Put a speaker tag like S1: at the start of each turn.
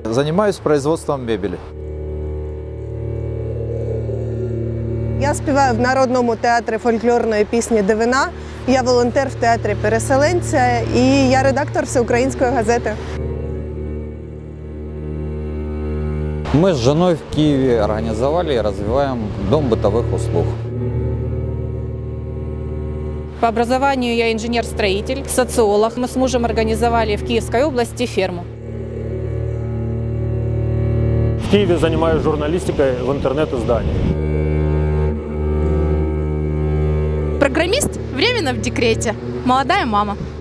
S1: Занимаюсь производством мебели.
S2: Я співаю в Народному театрі фольклорної пісні «Дивина». Я волонтер в театрі переселенця і я редактор Всеукраїнської газети.
S3: Мы с женой в Киеве организовали и развиваем дом бытовых услуг.
S4: По образованию я инженер-строитель, социолог. Мы с мужем организовали в Киевской области ферму.
S5: В Киеве занимаюсь журналистикой в интернет-издании.
S6: Программист временно в декрете. Молодая мама.